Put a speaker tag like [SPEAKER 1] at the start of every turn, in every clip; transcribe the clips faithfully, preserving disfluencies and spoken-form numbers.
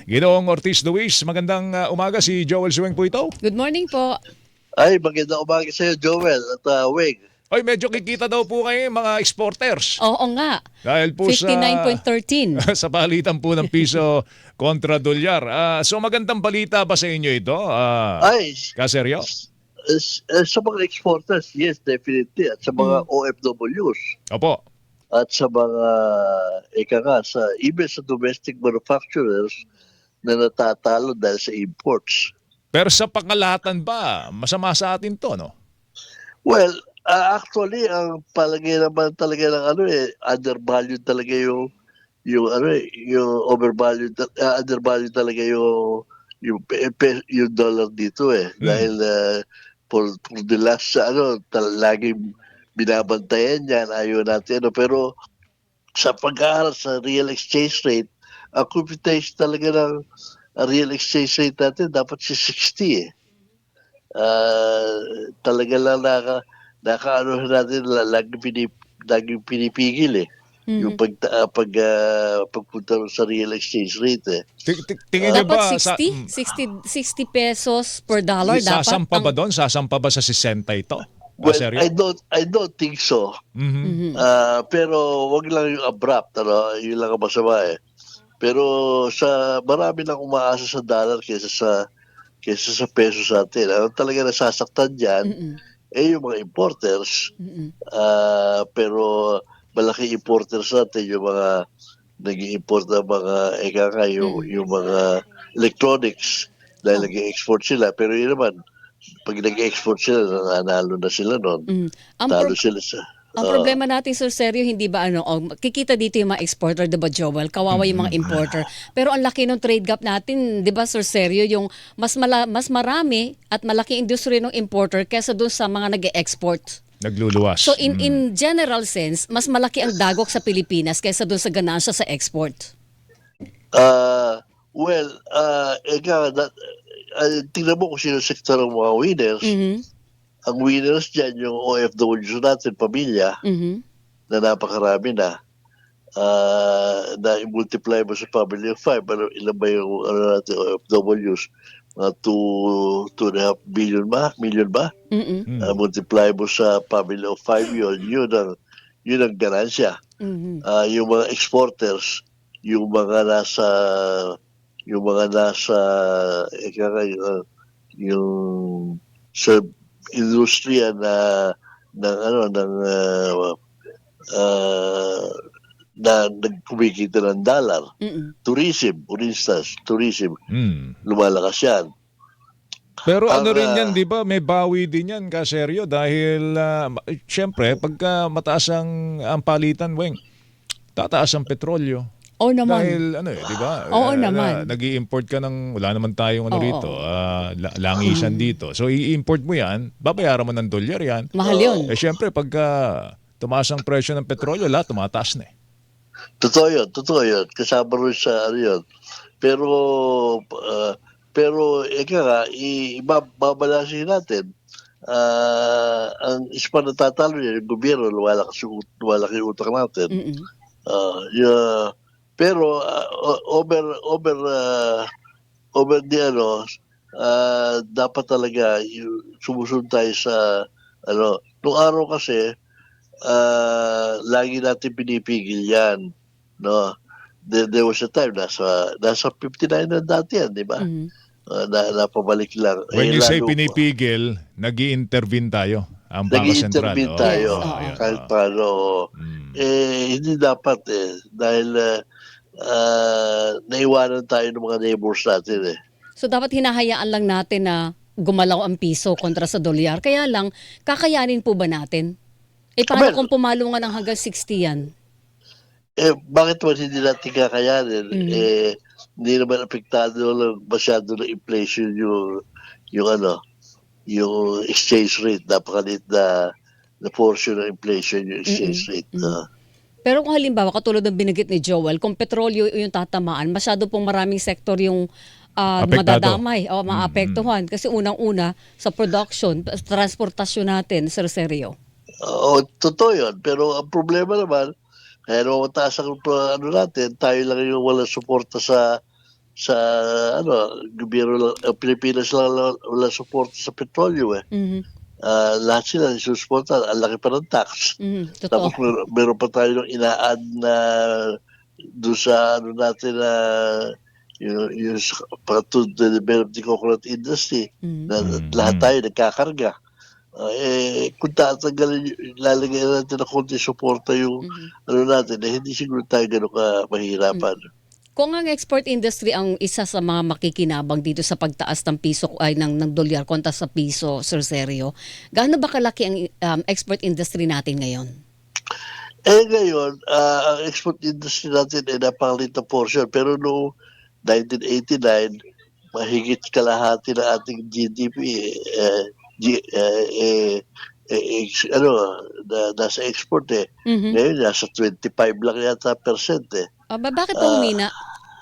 [SPEAKER 1] Ginoong Ortiz Luis, magandang uh, umaga. Si Joel Suweng po ito.
[SPEAKER 2] Good morning po.
[SPEAKER 3] Ay, magandang umaga sa iyo, Joel at uh, Weng.
[SPEAKER 1] Oy, medyo kikita daw po kayo mga exporters.
[SPEAKER 2] Oo nga.
[SPEAKER 1] Dahil po sa
[SPEAKER 2] fifty-nine point one three.
[SPEAKER 1] sa palitan po ng piso kontra dolyar. Ah, so magandang balita ba sa inyo ito? Ah,
[SPEAKER 3] Ay,
[SPEAKER 1] kaseryo?
[SPEAKER 3] s- s- sa mga exporters, yes, definitely. At sa mga O F Ws.
[SPEAKER 1] Opo.
[SPEAKER 3] At sa mga, ika nga, sa, even sa domestic manufacturers na natatalo dahil sa imports.
[SPEAKER 1] Pero sa pangalahatan ba, masama sa atin to, no?
[SPEAKER 3] Well, uh, actually, ang palagay naman talaga ng ano eh, undervalued talaga yung yung ano eh, yung overvalued, uh, undervalued talaga yung yung, pe- pe- yung dollar dito eh.
[SPEAKER 1] Mm.
[SPEAKER 3] Dahil uh, for, for the last, uh, ano, tal- laging binabantayan yan, ayaw natin. Ano, pero sa pag-aaral sa real exchange rate, ang computation talaga ng uh, real exchange rate natin dapat si sixty eh. Ah, talaga lang naka nakaano natin la- lagi pinip, lagi pinipigil eh. Yung pag ah, pag ah, pagpunta sa real exchange rate eh.
[SPEAKER 1] Ti- ti- Tingin niyo
[SPEAKER 2] Dapat
[SPEAKER 1] ba sa
[SPEAKER 2] sixty?
[SPEAKER 1] mm,
[SPEAKER 2] sixty, sixty pesos per dollar dapat.
[SPEAKER 1] sasampa ba
[SPEAKER 2] ang-
[SPEAKER 1] doon? Sasampa ba sa sesenta ito?
[SPEAKER 3] Well,
[SPEAKER 1] Kaseryo?
[SPEAKER 3] I don't I don't think so.
[SPEAKER 1] Mhm.
[SPEAKER 3] Ah, pero wag lang yung abrupt, ano, yun lang ang masama eh. Pero sa marami nang umaasa sa dollar kaysa sa kaysa sa peso sa atin. Ano talaga nasasaktan diyan
[SPEAKER 2] Mm-mm.
[SPEAKER 3] eh yung mga importers.
[SPEAKER 2] Mm-mm.
[SPEAKER 3] Ah, pero malaki importers natin yung mga nag-i-import ng mga eka nga yung, yung mga electronics dahil
[SPEAKER 2] Oh.
[SPEAKER 3] nag-i-export sila. Pero yun naman, pag nag-i-export sila, nanalo na sila noon.
[SPEAKER 2] Mm. Ang,
[SPEAKER 3] Talo
[SPEAKER 2] pro-
[SPEAKER 3] sila sa...
[SPEAKER 2] ang
[SPEAKER 3] ah,
[SPEAKER 2] problema natin, Sir Sergio, hindi ba ano, oh, kikita dito yung mga exporter, di ba, Joel? Kawawa yung mga importer. Pero ang laki ng trade gap natin, di ba, Sir Sergio, yung mas, mala- mas marami at malaki industry ng importer kesa dun sa mga nag-export.
[SPEAKER 1] Nagluluwas.
[SPEAKER 2] So in
[SPEAKER 1] Mm.
[SPEAKER 2] in general sense, mas malaki ang dagok sa Pilipinas kaysa doon sa ganansya sa export.
[SPEAKER 3] ah, well, uh, eka, that, uh, tingnan mo kung sino sektor ng mga winners.
[SPEAKER 2] Mhm.
[SPEAKER 3] Ang winners dyan, yung O F Ws natin, pamilya,
[SPEAKER 2] Mhm.
[SPEAKER 3] na napakarami na. Ah, na i-multiply mo sa family of five, ano, ilan ba yung ano natin, O F Ws? Mga two, two and a half billion ba? Million ba?
[SPEAKER 2] Mhm.
[SPEAKER 1] Mm.
[SPEAKER 3] Ah, multiply mo sa family of five yun, yun ang, yun ang ganansya.
[SPEAKER 2] Mhm.
[SPEAKER 3] Ah, yung mga exporters, yung mga nasa, yung mga nasa, ika nga, yung, ah, yung sa industriya na ng ano ng ah, ah, na nagkumikita ng dollar.
[SPEAKER 2] Mhm.
[SPEAKER 3] Tourism, for instance, tourism,
[SPEAKER 1] Mm.
[SPEAKER 3] lumalakas yan.
[SPEAKER 1] Pero
[SPEAKER 3] Ang,
[SPEAKER 1] ano rin
[SPEAKER 3] ah,
[SPEAKER 1] yan, di ba? May bawi din yan, kaseryo. Dahil, uh, syempre, pagka mataas ang, ang palitan, Weng, tataas ang petrolyo.
[SPEAKER 2] Oo naman.
[SPEAKER 1] Dahil, ano eh, di ba?
[SPEAKER 2] Oo
[SPEAKER 1] Eh,
[SPEAKER 2] naman.
[SPEAKER 1] nag i-import ka ng, wala naman tayong ano
[SPEAKER 2] Oo.
[SPEAKER 1] rito, ah, la- langisan dito. So, i-import mo yan, babayaran mo ng dolyar yan.
[SPEAKER 2] Mahal 'yun.
[SPEAKER 1] Eh, syempre, pagka tumaas ang presyo ng petrolyo, lahat tumataas na eh.
[SPEAKER 3] Totoo yun, totoo yun. Kasama rin sa ano yun. Pero, ah, pero, ika nga, i- ibabalasin natin. Ah, ang ispa na tatalo niya, yung gobyerno, lumalakas yung, ut- lumalaki yung utang natin.
[SPEAKER 2] Mhm.
[SPEAKER 3] Ah, yeah. Pero ah, o- over over ah, over di ano ah, dapat talaga yung sumusunod tayo sa ano nung araw kasi ah, lagi natin pinipigil yan, no. There, there was a time nasa nasa fifty-nine na dati yan, di ba?
[SPEAKER 2] Mhm.
[SPEAKER 3] Ah, na napabalik lang.
[SPEAKER 1] When
[SPEAKER 3] Eh,
[SPEAKER 1] you say
[SPEAKER 3] lalo-
[SPEAKER 1] pinipigil, nag intervene tayo. Ang Bangka Sentral.
[SPEAKER 3] Nag-i-intervene
[SPEAKER 1] Oo,
[SPEAKER 3] tayo
[SPEAKER 1] oo,
[SPEAKER 2] Yes, oo.
[SPEAKER 1] yun,
[SPEAKER 3] kahit
[SPEAKER 1] oo.
[SPEAKER 3] paano.
[SPEAKER 1] Mm.
[SPEAKER 3] Eh, hindi dapat eh. Dahil ah, ah, naiwanan tayo ng mga neighbors natin eh.
[SPEAKER 2] So dapat hinahayaan lang natin na gumalaw ang piso kontra sa dolyar. Kaya lang, kakayanin po ba natin? Eh paano
[SPEAKER 3] Well,
[SPEAKER 2] kung pumalo nga ng hanggang sixty yan?
[SPEAKER 3] Eh, bakit naman hindi natin kakayanin?
[SPEAKER 2] Mhm.
[SPEAKER 3] Eh, hindi naman apektado lang masyado ng inflation yung, yung ano, yung exchange rate. Napakalit na, na portion ng inflation yung exchange
[SPEAKER 2] Mm-mm.
[SPEAKER 3] rate.
[SPEAKER 2] Mm.
[SPEAKER 3] Ah.
[SPEAKER 2] Pero kung halimbawa, katulad ng binigit ni Joel, kung petrolyo yung tatamaan, masyado pong maraming sektor yung ah,
[SPEAKER 1] Apektado.
[SPEAKER 2] madadamay o maapektuhan. Kasi unang-una, sa production, sa transportasyon natin, Sir Sergio.
[SPEAKER 3] Oo, totoo yun. Pero ang problema naman, kaya naman mataas ang pro- ano natin, tayo lang yung walang suporta sa sa ano, gobyerno lang, ang Pilipinas lang wala wala suporta sa petrolyo, eh.
[SPEAKER 2] Mhm.
[SPEAKER 3] Ah, lahat sila nagsusuporta, ang laki pa ng tax.
[SPEAKER 2] Mhm, totoo.
[SPEAKER 3] Tapos meron meron pa tayong ina-add na do'n sa ano natin na yung yung sa para to develop the coconut industry
[SPEAKER 2] Mhm.
[SPEAKER 3] na lahat
[SPEAKER 1] Mhm.
[SPEAKER 3] tayo nagkakarga. Ah, eh, kung tatanggalin yu ilalagay natin ng konting suporta yung
[SPEAKER 2] Mhm.
[SPEAKER 3] ano natin, eh, hindi siguro tayo gano'n ka
[SPEAKER 2] Hmm.
[SPEAKER 3] mahihirapan.
[SPEAKER 2] Kung ang export industry ang isa sa mga makikinabang dito sa pagtaas ng piso ay ng ng dolyar kontra sa piso, Sir Sergio, gaano ba kalaki ang um, export industry natin ngayon?
[SPEAKER 3] Eh, ngayon, ah, ang export industry natin ay napakaliit na portion pero noong nineteen eighty-nine mahigit kalahati ng ating G D P, eh, G eh, eh, eh, ex ano, na nasa export, eh.
[SPEAKER 2] Mhm.
[SPEAKER 3] Ngayon nasa twenty-five lang yata percent, eh.
[SPEAKER 2] Aba, bakit po
[SPEAKER 3] Ah,
[SPEAKER 2] humina?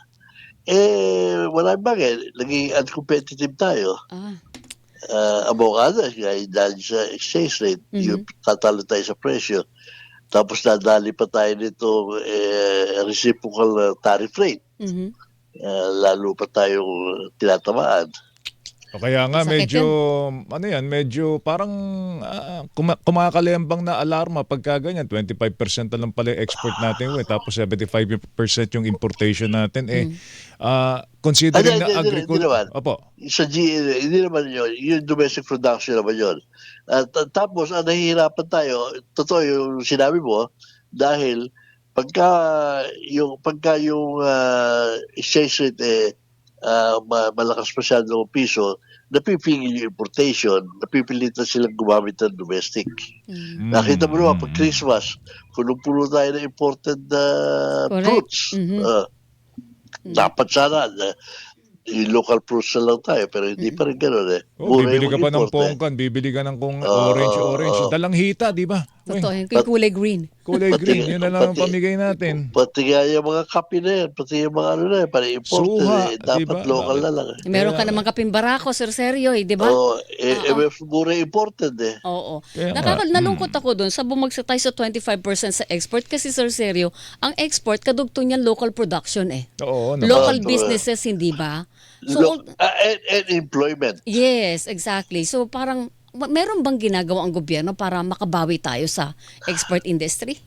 [SPEAKER 3] eh, walang bagay naging uncompetitive tayo.
[SPEAKER 2] Ah,
[SPEAKER 3] Ah, among others dahil dahil sa exchange rate, yung
[SPEAKER 2] mhm.
[SPEAKER 3] tatalo tayo sa presyo. Tapos nadali pa tayo nitong, eh, reciprocal na tariff rate,
[SPEAKER 2] Mhm.
[SPEAKER 3] ah, lalo pa tayong tinatamaan.
[SPEAKER 1] O kaya nga
[SPEAKER 2] Masakit
[SPEAKER 1] medyo
[SPEAKER 2] 'yun.
[SPEAKER 1] ano yan, medyo parang ah, kuma kumakalembang na alarma pagka ganyan, twenty-five percent na lang pala yung export natin, eh, tapos seventy-five percent yung importation natin, eh,
[SPEAKER 2] Hmm.
[SPEAKER 1] ah,
[SPEAKER 3] Hindi,
[SPEAKER 1] considering na
[SPEAKER 3] hindi, hindi, hindi
[SPEAKER 1] agricul
[SPEAKER 3] naman.
[SPEAKER 1] opo.
[SPEAKER 3] Sa G hindi naman yun, yung domestic production naman yun. At at tapos ang nahihirapan tayo, totoo yung sinabi mo, dahil pagka yung pagka yung, ah, exchange rate, eh, ah, ma malakas masyado ang piso, napipigil yung importation, napipilitan silang gumamit ng domestic.
[SPEAKER 2] Hmm.
[SPEAKER 3] Nakita
[SPEAKER 1] Mm,
[SPEAKER 3] mo naman 'pag
[SPEAKER 1] mm.
[SPEAKER 3] Christmas, punong-puno tayo ng imported na
[SPEAKER 2] Correct.
[SPEAKER 3] fruits.
[SPEAKER 2] Mhm.
[SPEAKER 3] Ah,
[SPEAKER 2] Mhm.
[SPEAKER 3] dapat sana na yung local fruits na lang tayo pero hindi
[SPEAKER 2] Mm.
[SPEAKER 3] pa rin gano'n, eh.
[SPEAKER 1] Oh,
[SPEAKER 3] Mura
[SPEAKER 1] bibili
[SPEAKER 3] yung
[SPEAKER 1] ka pa ng
[SPEAKER 3] import, eh.
[SPEAKER 1] pongkan, bibili ka ng kung
[SPEAKER 3] Oo,
[SPEAKER 1] orange, orange,
[SPEAKER 3] oo.
[SPEAKER 1] dalang hita, 'di ba?
[SPEAKER 2] Totoo,
[SPEAKER 1] Weng,
[SPEAKER 2] yung
[SPEAKER 3] Pat
[SPEAKER 2] kulay green.
[SPEAKER 1] kulay
[SPEAKER 3] pati
[SPEAKER 1] green, yun na lang ang
[SPEAKER 3] pati
[SPEAKER 1] pamigay natin.
[SPEAKER 3] pati nga yung mga kape na yan, pati yung mga ano na yan, parang imported,
[SPEAKER 1] Suha,
[SPEAKER 3] eh,
[SPEAKER 1] 'di
[SPEAKER 3] dapat
[SPEAKER 1] ba?
[SPEAKER 3] local
[SPEAKER 1] Bakit?
[SPEAKER 3] na lang, eh.
[SPEAKER 2] Meron
[SPEAKER 1] Kaya
[SPEAKER 2] ka
[SPEAKER 1] nga,
[SPEAKER 2] namang kapeng barako, Sir Sergio, eh, 'di ba?
[SPEAKER 3] Oo, eh, eh,
[SPEAKER 2] Oo.
[SPEAKER 3] mas mura imported, eh.
[SPEAKER 2] Oo.
[SPEAKER 1] kaya nga.
[SPEAKER 2] Nakaka
[SPEAKER 1] Mm.
[SPEAKER 2] nalungkot ako dun sa bumagsak tayo sa twenty-five percent sa export kasi, Sir Sergio, ang export kadugtong niyan local production, eh.
[SPEAKER 1] Oo
[SPEAKER 3] Oo,
[SPEAKER 1] naman.
[SPEAKER 2] Local
[SPEAKER 3] true, eh.
[SPEAKER 2] businesses, hindi ba? So,
[SPEAKER 3] Look,
[SPEAKER 2] al-
[SPEAKER 3] ah, and and employment.
[SPEAKER 2] yes, exactly. So, parang ma- meron bang ginagawa ang gobyerno para makabawi tayo sa export industry?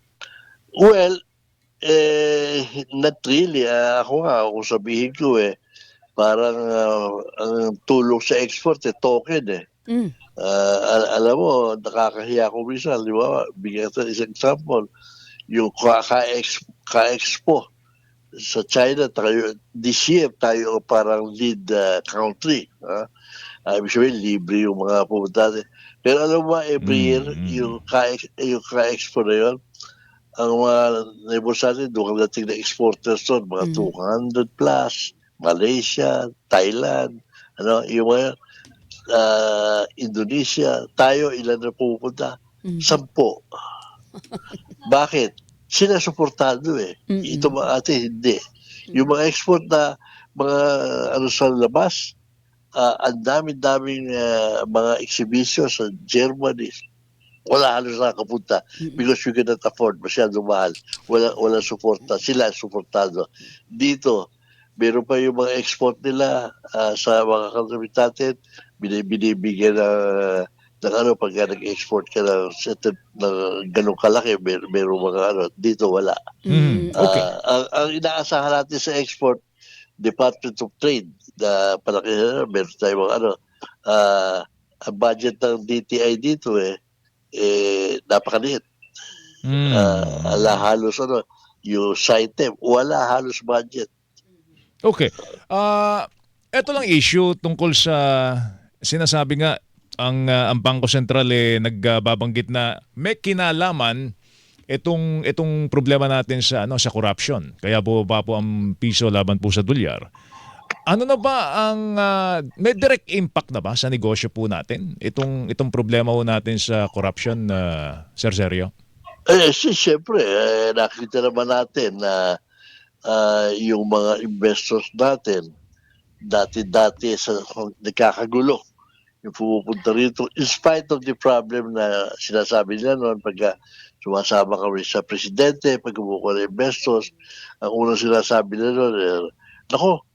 [SPEAKER 3] Well, eh, not really, ah, ako nga kung sabihin ko, eh, parang, ah, ang tulong sa export, eh, token, eh.
[SPEAKER 2] Mm.
[SPEAKER 3] Ah, al alam mo nakakahiya kung minsan, 'di ba, bigyan kita isang example, yung ka ka-ex ka-expo sa China tayo this year tayo ang parang lead, ah, country, ah. Ah, ibig sabihin libre yung mga pumunta natin. Pero alam mo ba every year
[SPEAKER 1] Mm, mm.
[SPEAKER 3] yung ka-ex yung ka-expo na yun, ang mga neighbors natin dun kadating na exporters dun mga
[SPEAKER 2] Mhm.
[SPEAKER 3] two hundred plus, Malaysia, Thailand, ano, yung mga ah, Indonesia, tayo ilan na pumupunta?
[SPEAKER 2] Mhm.
[SPEAKER 3] Sampo. Bakit? Sila suportado, eh. Ito
[SPEAKER 2] Mm.
[SPEAKER 3] mga ate hindi. Yung
[SPEAKER 2] Mhm.
[SPEAKER 3] mga export na mga ano sa labas, ah, ang dami-daming, ah, mga exhibition sa Germany, wala halos nakakapunta
[SPEAKER 2] Mm.
[SPEAKER 3] because we cannot afford, masyadong mahal. Wala walang suporta, sila suportado. Dito, meron pa yung mga export nila, ah, sa mga country natin, bini binibigyan ng ng ano pagka nag-export ka ng certain ng gano'ng kalaki mer merong mga ano, dito wala.
[SPEAKER 1] Mm,
[SPEAKER 2] Mm.
[SPEAKER 1] okey.
[SPEAKER 3] Ah, ang ang inaasahan natin sa export, Department of Trade na palaki na meron tayong mga ano, ah, ang budget ng D T I dito, eh, eh, napakaliit.
[SPEAKER 1] Mm,
[SPEAKER 3] Ah, ala
[SPEAKER 1] mm.
[SPEAKER 3] halos ano, yung SITEM, wala halos budget.
[SPEAKER 1] Okey. Ah, eto lang issue tungkol sa sinasabi nga ang, ah, ang Bangko Sentral, eh, nagbabanggit na may kinalaman itong itong problema natin sa ano, sa corruption. Kaya bumaba po ang piso laban po sa dolyar. Ano na ba ang, ah, may direct impact na ba sa negosyo po natin itong itong problema po natin sa corruption, ah, Sir Sergio?
[SPEAKER 3] Eh, si siyempre, eh, nakita naman natin na, ah, yung mga investors natin dati-dati sa nagkakagulo. Yung pumupunta rito in spite of the problem na sinasabi nila noon pagka sumasama kami sa presidente, pag kumukuha ng investors, ang unang sinasabi nila noon, eh, "Naku,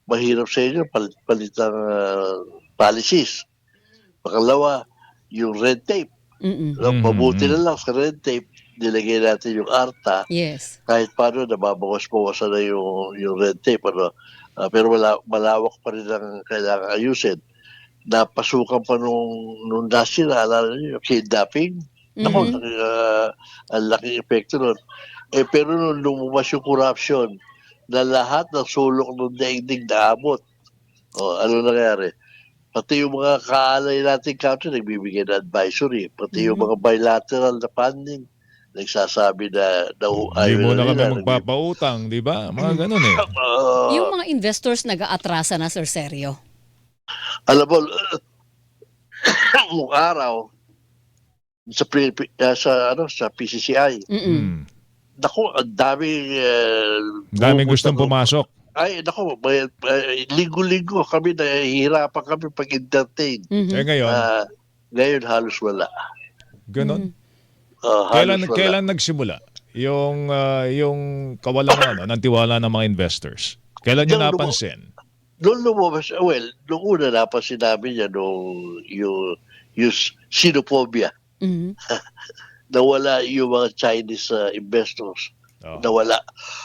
[SPEAKER 3] mahirap sa inyo palit-palit ng ah, policies. Pangalawa, yung red tape.
[SPEAKER 2] Mm-mm.
[SPEAKER 3] No,
[SPEAKER 1] Mhm,
[SPEAKER 3] mabuti
[SPEAKER 1] mhm.
[SPEAKER 3] na lang sa red tape, nilagay natin yung ARTA,
[SPEAKER 2] Yes.
[SPEAKER 3] kahit paano nababawas-bawasan na yung, yung red tape. Ano? Ah, pero wala, malawak pa rin ang kailangan ayusin. Napasukan pa nung, nung nasira, alala niyo, yung kidnapping. Ako,
[SPEAKER 2] Mhm.
[SPEAKER 3] uh, ang laking epekto nun. Eh, pero nung lumabas yung corruption, na lahat ng sulok ng daigdig naabot. O, ano nangyari? Pati yung mga kaalay nating country, nagbibigay na advisory. Pati yung
[SPEAKER 2] Mhm.
[SPEAKER 3] mga bilateral na funding, nagsasabi na, na
[SPEAKER 1] Hindi
[SPEAKER 3] ayaw
[SPEAKER 1] muna
[SPEAKER 3] na
[SPEAKER 1] kami
[SPEAKER 3] nila. Nagbi-
[SPEAKER 1] magpapautang, di ba? Mga ganun eh.
[SPEAKER 3] Ah,
[SPEAKER 2] Yung mga investors nag-aatrasa na, Sir Sergio.
[SPEAKER 3] alam mo, nung araw, sa, Pilipi- ah, sa, ano, sa P C C I,
[SPEAKER 2] Mm-mm.
[SPEAKER 1] Hmm.
[SPEAKER 3] naku, ang daming... Uh,
[SPEAKER 1] Daming gustong pumasok.
[SPEAKER 3] Ay, naku, may, may- linggo-linggo kami, nahihirapan kami pag-entertain.
[SPEAKER 2] Mhm.
[SPEAKER 1] Eh ngayon,
[SPEAKER 3] Ah, ngayon halos wala.
[SPEAKER 1] ganun.
[SPEAKER 3] Ah,
[SPEAKER 1] Kailan
[SPEAKER 3] halos wala.
[SPEAKER 1] kailan nagsimula yung ah, yung kawalan ano, ng tiwala ng mga investors? Kailan niyo
[SPEAKER 3] Diyan, lumo-
[SPEAKER 1] napansin?
[SPEAKER 3] Doon lumabas, well, noong una napansin namin yan, nung yung, yung xenophobia,
[SPEAKER 2] Mhm.
[SPEAKER 3] nawala yung mga Chinese uh, investors.
[SPEAKER 1] Oh.
[SPEAKER 3] Nawala.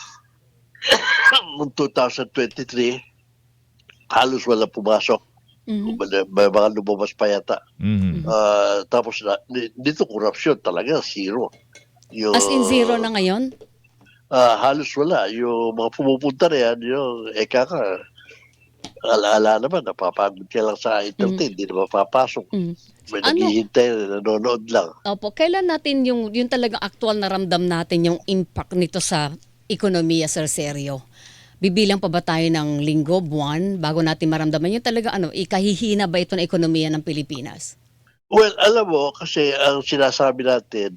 [SPEAKER 3] Noong twenty twenty-three, halos wala pumasok.
[SPEAKER 2] Mhm.
[SPEAKER 3] May, may mga lumabas pa yata.
[SPEAKER 1] Mhm.
[SPEAKER 3] Ah, tapos na, di- dito corruption talaga, zero. Yung,
[SPEAKER 2] As in zero na ngayon?
[SPEAKER 3] ah, halos wala. Yung mga pumupunta na yan, yung eka ka, alaala naman, napapagod ka lang sa entertain, hindi na mapapasok.
[SPEAKER 2] Mhm.
[SPEAKER 3] May
[SPEAKER 2] Ano?
[SPEAKER 3] naghihintay, nanonood lang.
[SPEAKER 2] Opo, kailan natin yung yung talagang aktual na ramdam natin yung impact nito sa ekonomiya, Sir Sergio? Bibilang pa ba tayo ng linggo, buwan, bago natin maramdaman yung talaga ano, ikahihina ba ito na ekonomiya ng Pilipinas?
[SPEAKER 3] Well, alam mo, kasi ang sinasabi natin,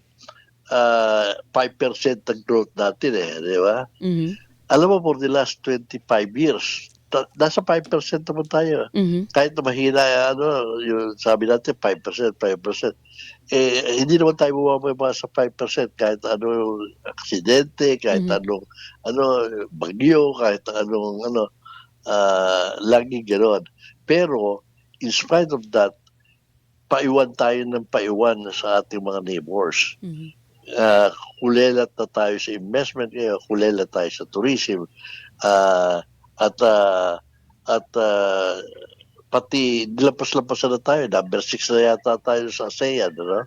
[SPEAKER 3] ah, five percent ang growth natin eh, di ba?
[SPEAKER 2] Mhm.
[SPEAKER 3] Alam mo, for the last twenty-five years, ta- nasa five percent naman tayo.
[SPEAKER 2] Mhm.
[SPEAKER 3] Kahit na mahina, ano, yung sabi natin, five percent, five percent. Eh, hindi naman tayo bumababa sa five percent kahit ano aksidente, kahit
[SPEAKER 2] Mhm.
[SPEAKER 3] anong ano, bagyo, kahit anong ano, ah, laging gano'n. Pero, in spite of that, paiwan tayo ng paiwan sa ating mga neighbors.
[SPEAKER 2] Mhm.
[SPEAKER 3] Uh, kulelat na tayo sa investment ngayon, kulelat tayo sa tourism. Ah, at ah, at ah, pati nilampas-lampasan na tayo. Number six na yata tayo sa ASEAN. Ano?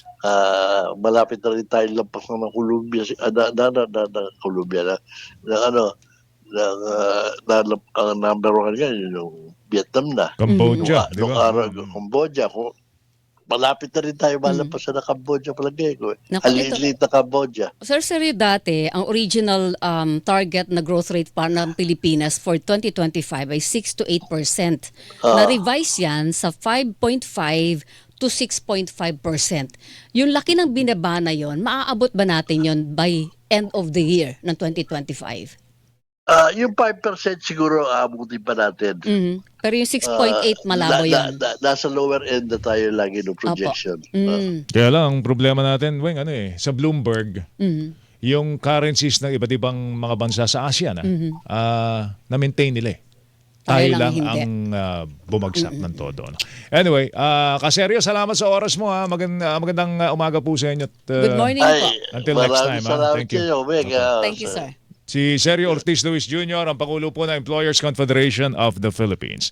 [SPEAKER 3] Ah, malapit na rin tayo lampas na ng Colombia. Ah, na, na, na, na, na Colombia na, na ano, na, na, na, ang number one nga, yun yung Vietnam na.
[SPEAKER 1] Cambodia,
[SPEAKER 3] Nung,
[SPEAKER 1] di
[SPEAKER 3] nung
[SPEAKER 1] ba?
[SPEAKER 3] araw, Cambodia, kung malapit na rin tayo malampasan na Cambodia palagay ko. Eh.
[SPEAKER 2] Naku, ito-
[SPEAKER 3] Haliliit na Cambodia.
[SPEAKER 2] Sir Sergio, dati, ang original um, target na growth rate para ng Pilipinas for twenty twenty-five ay six to eight percent.
[SPEAKER 3] Ah.
[SPEAKER 2] Na-revise yan sa five point five to six point five percent. Yung laki ng binaba na yon, maaabot ba natin yon by end of the year ng twenty twenty-five?
[SPEAKER 3] Ah, yung five percent siguro aabutin pa natin.
[SPEAKER 2] Mhm. Pero yung six point eight,
[SPEAKER 3] Ah,
[SPEAKER 2] malabo
[SPEAKER 3] na-
[SPEAKER 2] yon.
[SPEAKER 3] na- na- nasa lower end na tayo lagi ng projection. Ah,
[SPEAKER 2] Mm.
[SPEAKER 1] Kaya lang, ang problema natin, Weng, ano eh, sa Bloomberg,
[SPEAKER 2] Mhm.
[SPEAKER 1] yung currencies ng iba't ibang mga bansa sa Asia na, ah, na-maintain nila eh.
[SPEAKER 2] Tayo
[SPEAKER 1] Tayo
[SPEAKER 2] lang
[SPEAKER 1] lang
[SPEAKER 2] hindi.
[SPEAKER 1] ang ah, bumagsak ng todo. No? Anyway, ah, Kaseryo, salamat sa oras mo. Ha. Magand- ah, magandang ah, umaga po sa inyo. At, ah,
[SPEAKER 2] Good morning
[SPEAKER 3] Ay,
[SPEAKER 2] po.
[SPEAKER 1] Until next
[SPEAKER 3] maraming
[SPEAKER 1] time, ah.
[SPEAKER 3] salamat
[SPEAKER 1] Thank you.
[SPEAKER 3] sa iyo, Meg. Ah,
[SPEAKER 2] Thank you,
[SPEAKER 3] sa-
[SPEAKER 2] sir.
[SPEAKER 1] Si Sergio Ortiz Luis Junior, ang Pangulo po ng Employers Confederation of the Philippines.